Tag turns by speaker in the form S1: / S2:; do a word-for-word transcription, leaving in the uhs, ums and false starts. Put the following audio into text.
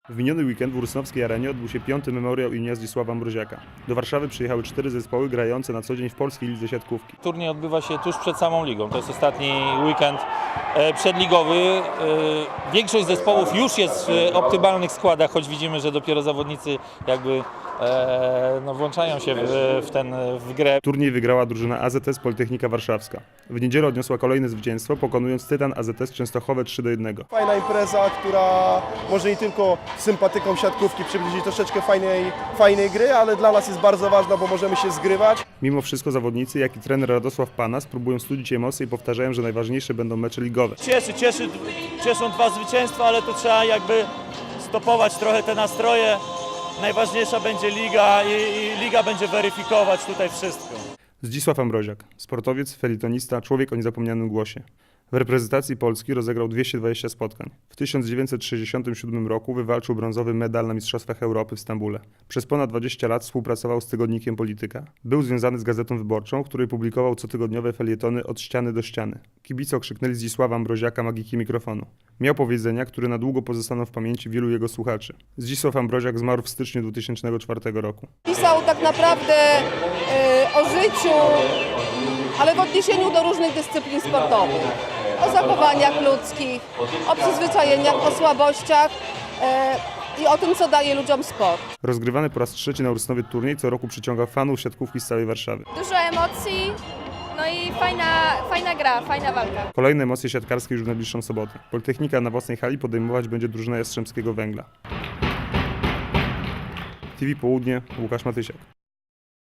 S1: W miniony weekend w Rusnowskiej Arenie odbył się piąty memoriał imienia Zdzisława Mroziaka. Do Warszawy przyjechały cztery zespoły grające na co dzień w polskiej lidze siatkówki.
S2: Turniej odbywa się tuż przed samą ligą. To jest ostatni weekend przedligowy. Większość zespołów już jest w optymalnych składach, choć widzimy, że dopiero zawodnicy jakby no, włączają się w, w, ten, w grę.
S1: Turniej wygrała drużyna A Z S Politechnika Warszawska. W niedzielę odniosła kolejne zwycięstwo, pokonując Tytan A Z S Częstochowe trzy do jednego.
S3: Fajna impreza, która może nie tylko sympatykom siatkówki przybliżyć troszeczkę fajnej, fajnej gry, ale dla nas jest bardzo ważna, bo możemy się zgrywać.
S1: Mimo wszystko zawodnicy, jak i trener Radosław Panas próbują studzić emocje i powtarzają, że najważniejsze będą mecze ligowe.
S4: Cieszy, cieszy, cieszą dwa zwycięstwa, ale to trzeba jakby stopować trochę te nastroje. Najważniejsza będzie liga i, i liga będzie weryfikować tutaj wszystko.
S1: Zdzisław Mroziak, sportowiec, felitonista, człowiek o niezapomnianym głosie. W reprezentacji Polski rozegrał dwieście dwadzieścia spotkań. W tysiąc dziewięćset sześćdziesiątym siódmym roku wywalczył brązowy medal na Mistrzostwach Europy w Stambule. Przez ponad dwadzieścia lat współpracował z tygodnikiem Polityka. Był związany z Gazetą Wyborczą, w której publikował cotygodniowe felietony Od ściany do ściany. Kibice okrzyknęli Zdzisława Mroziaka magiki mikrofonu. Miał powiedzenia, które na długo pozostaną w pamięci wielu jego słuchaczy. Zdzisław Mroziak zmarł w styczniu dwutysięcznego czwartego roku.
S5: Pisał tak naprawdę y, o życiu, ale w odniesieniu do różnych dyscyplin sportowych. O zachowaniach ludzkich, o przyzwyczajeniach, o słabościach y, i o tym, co daje ludziom sport.
S1: Rozgrywany po raz trzeci na Rusnowie turniej co roku przyciąga fanów siatkówki z całej Warszawy.
S6: Dużo emocji, no i fajna, fajna gra, fajna walka.
S1: Kolejne emocje siatkarskie już w najbliższą sobotę. Politechnika na własnej hali podejmować będzie drużynę Jastrzębskiego Węgla. T V Południe, Łukasz Matysiak.